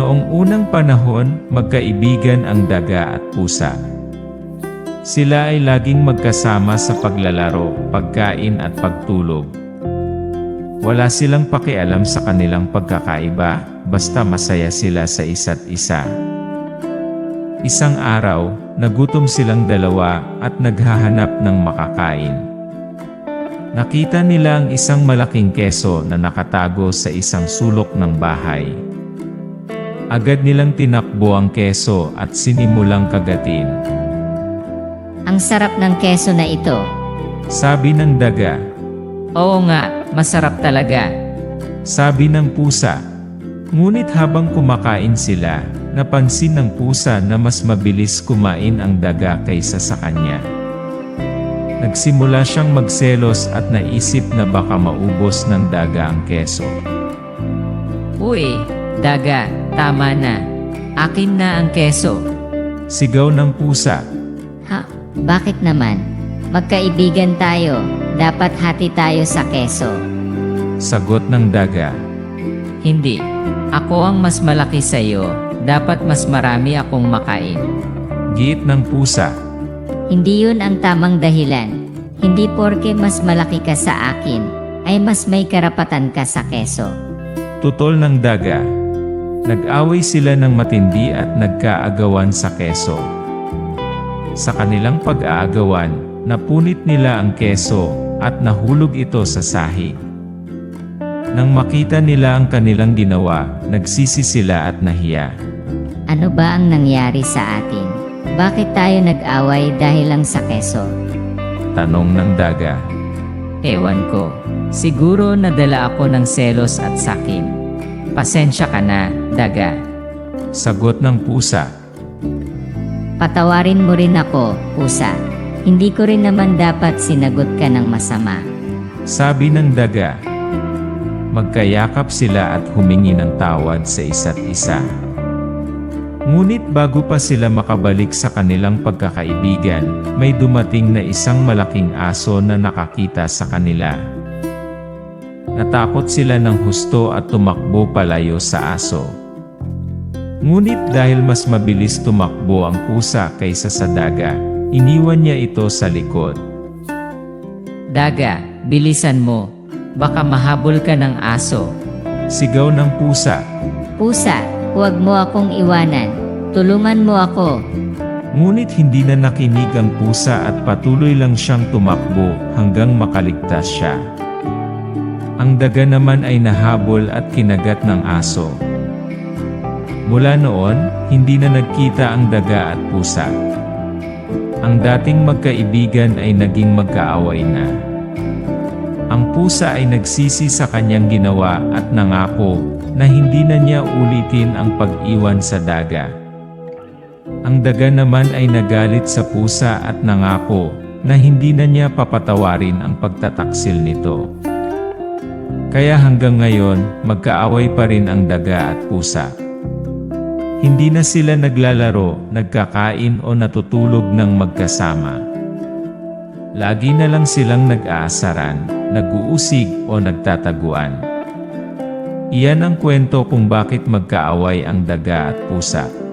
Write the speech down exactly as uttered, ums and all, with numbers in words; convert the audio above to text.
Noong unang panahon, magkaibigan ang daga at pusa. Sila ay laging magkasama sa paglalaro, pagkain at pagtulog. Wala silang pakialam sa kanilang pagkakaiba, basta masaya sila sa isa't isa. Isang araw, nagutom silang dalawa at naghahanap ng makakain. Nakita nila ang isang malaking keso na nakatago sa isang sulok ng bahay. Agad nilang tinakbo ang keso at sinimulang kagatin. Ang sarap ng keso na ito. Sabi ng daga. Oo nga, masarap talaga. Sabi ng pusa. Ngunit habang kumakain sila, napansin ng pusa na mas mabilis kumain ang daga kaysa sa kanya. Nagsimula siyang magselos at naisip na baka maubos ng daga ang keso. Uy, daga, tama na. Akin na ang keso. Sigaw ng pusa. Ha? Bakit naman? Magkaibigan tayo. Dapat hati tayo sa keso. Sagot ng daga. Hindi. Ako ang mas malaki sa iyo. Dapat mas marami akong makain. Giit ng pusa. Hindi yun ang tamang dahilan. Hindi porke mas malaki ka sa akin, ay mas may karapatan ka sa keso. Tutol ng daga. Nag-away sila ng matindi at nagkaagawan sa keso. Sa kanilang pag-aagawan, napunit nila ang keso at nahulog ito sa sahig. Nang makita nila ang kanilang ginawa, nagsisi sila at nahiya. Ano ba ang nangyari sa atin? Bakit tayo nag-away dahil lang sa keso? Tanong ng daga. Ewan ko. Siguro nadala ako ng selos at sakim. Pasensya ka na, daga. Sagot ng pusa. Patawarin mo rin ako, pusa. Hindi ko rin naman dapat sinagot ka ng masama. Sabi ng daga. Magkayakap sila at humingi ng tawad sa isa't isa. Ngunit bago pa sila makabalik sa kanilang pagkakaibigan, may dumating na isang malaking aso na nakakita sa kanila. Natakot sila ng husto at tumakbo palayo sa aso. Ngunit dahil mas mabilis tumakbo ang pusa kaysa sa daga, iniwan niya ito sa likod. Daga, bilisan mo. Baka mahabol ka ng aso. Sigaw ng pusa. Pusa, huwag mo akong iwanan. Tulungan mo ako. Ngunit hindi na nakinig ang pusa at patuloy lang siyang tumakbo hanggang makaligtas siya. Ang daga naman ay nahabol at kinagat ng aso. Mula noon, hindi na nagkita ang daga at pusa. Ang dating magkaibigan ay naging magkaaway na. Ang pusa ay nagsisi sa kanyang ginawa at nangako na hindi na niya ulitin ang pag-iwan sa daga. Ang daga naman ay nagalit sa pusa at nangako na hindi na niya papatawarin ang pagtataksil nito. Kaya hanggang ngayon, magkaaway pa rin ang daga at pusa. Hindi na sila naglalaro, nagkakain o natutulog ng magkasama. Lagi na lang silang nag-aasaran, nag-uusig o nagtataguan. Iyan ang kwento kung bakit magkaaway ang daga at pusa.